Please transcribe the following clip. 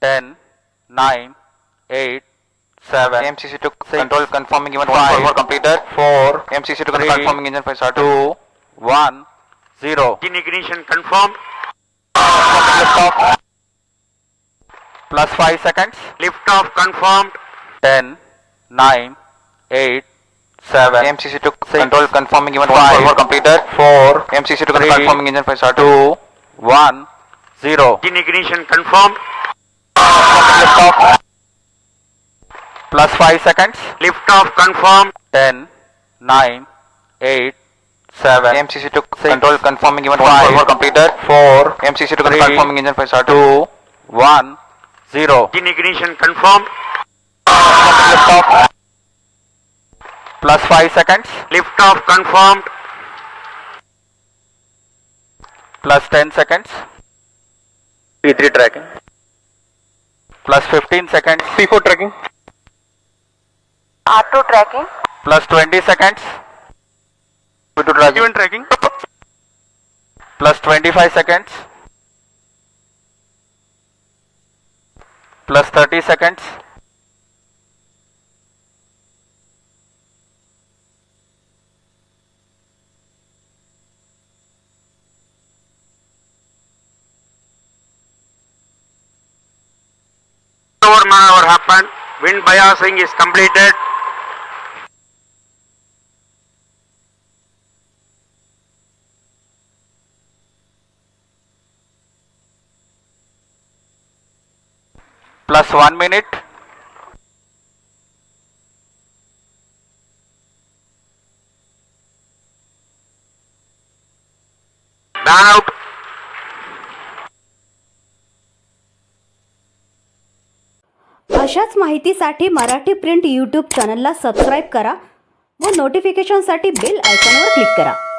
10, 9, 8, 7. MCC to 6, control confirming event 5, 1 completed. 4, MCC to 3, confirming engine 5 started. 2, 1, 0. Engine ignition confirmed. Liftoff. Plus 5 seconds. Liftoff confirmed. 10, 9, 8, 7. MCC to 6, control confirming event 5, 1 completed. 4, MCC to 3, confirming engine 5 started. 2, 1, 0. Engine ignition confirmed. Liftoff. Plus 5 seconds. Liftoff confirmed. 10, 9, 8, 7. MCC to control confirming event 5, 1 completed. 4, MCC to 3, confirming engine 5 started. 2, 1, 0. Engine ignition confirmed. Liftoff. Plus 5 seconds. Liftoff confirmed. Plus 10 seconds. P3 tracking. Plus 15 seconds. P4 tracking. R2 tracking. Plus 20 seconds. P2 tracking. Event tracking. Plus 25 seconds. Plus 30 seconds. Maneuver happened. Wind biasing is completed. Plus 1 minute. Ban out. अशाच माहितीसाठी Marathi print YouTube चॅनलला subscribe करा व नोटिफिकेशनसाठी bell आयकॉनवर click करा.